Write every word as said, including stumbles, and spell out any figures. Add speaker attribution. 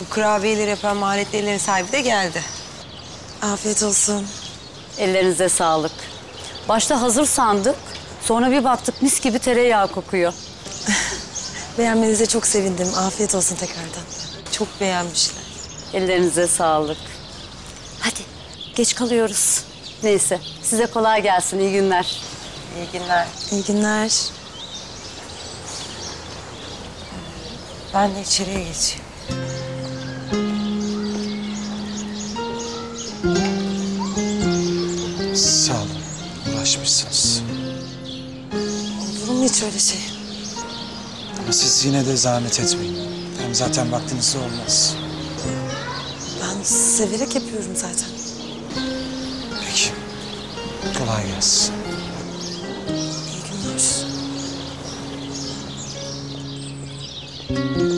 Speaker 1: Bu kurabiyeleri yapan maharetlerin sahibi de geldi.
Speaker 2: Afiyet olsun.
Speaker 3: Ellerinize sağlık. Başta hazır sandık. Sonra bir baktık mis gibi tereyağı kokuyor.
Speaker 2: Beğenmenize çok sevindim. Afiyet olsun tekrardan.
Speaker 1: Çok beğenmişler.
Speaker 3: Ellerinize sağlık. Hadi geç kalıyoruz. Neyse size kolay gelsin. İyi günler.
Speaker 1: İyi günler.
Speaker 2: İyi günler.
Speaker 1: Ben de içeriye geçeyim.
Speaker 4: Sağ olun. Uğraşmışsınız.
Speaker 2: Olur mu hiç öyle şey?
Speaker 4: Ama siz yine de zahmet etmeyin. Hem zaten vaktinizde olmaz.
Speaker 2: Ben severek yapıyorum zaten.
Speaker 4: Peki. Kolay gelsin.
Speaker 2: İyi günler.